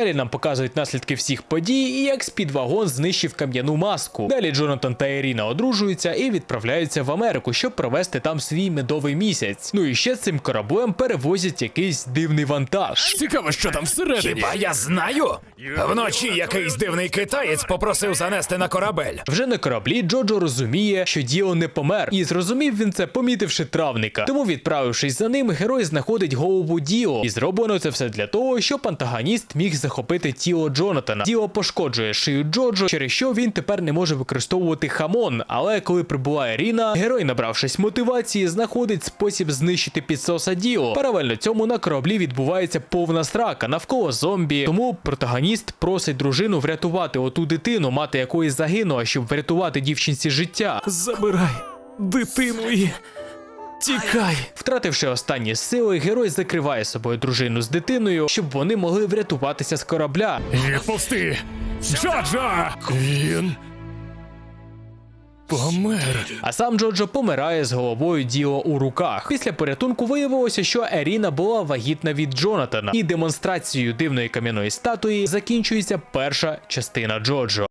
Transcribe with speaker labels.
Speaker 1: Далі нам показують наслідки всіх подій і як спідвагон знищив кам'яну маску. Далі Джонатан та Ірина одружуються і відправляються в Америку, щоб провести там свій медовий місяць. Ну і ще цим кораблем перевозять якийсь дивний вантаж.
Speaker 2: Цікаво, що там всередині.
Speaker 3: Хіба я знаю? Вночі якийсь дивний китаєць попросив занести на корабель.
Speaker 1: Вже на кораблі Джоджо розуміє, що Діо не помер. І зрозумів він це, помітивши травника. Тому, відправившись за ним, герой знаходить голову Діо. І зроблено це все для того, щоб антагоніст міг захопити тіло Джонатана. Діо пошкоджує шию Джоджо, через що він тепер не може використовувати хамон. Але коли прибуває Ріна, герой, набравшись мотивації, знаходить спосіб знищити підсоса Діо. Паралельно цьому на кораблі відбувається повна срака, навколо зомбі. Тому протагоніст просить дружину врятувати оту дитину, мати якої загинула, щоб врятувати дівчинці життя.
Speaker 2: Забирай дитину і тікай.
Speaker 1: Втративши останні сили, герой закриває собою дружину з дитиною, щоб вони могли врятуватися з корабля.
Speaker 2: Відпусти! Джоджо! Він помер.
Speaker 1: А сам Джоджо помирає з головою Діо у руках. Після порятунку виявилося, що Еріна була вагітна від Джонатана. І демонстрацією дивної кам'яної статуї закінчується перша частина Джоджо.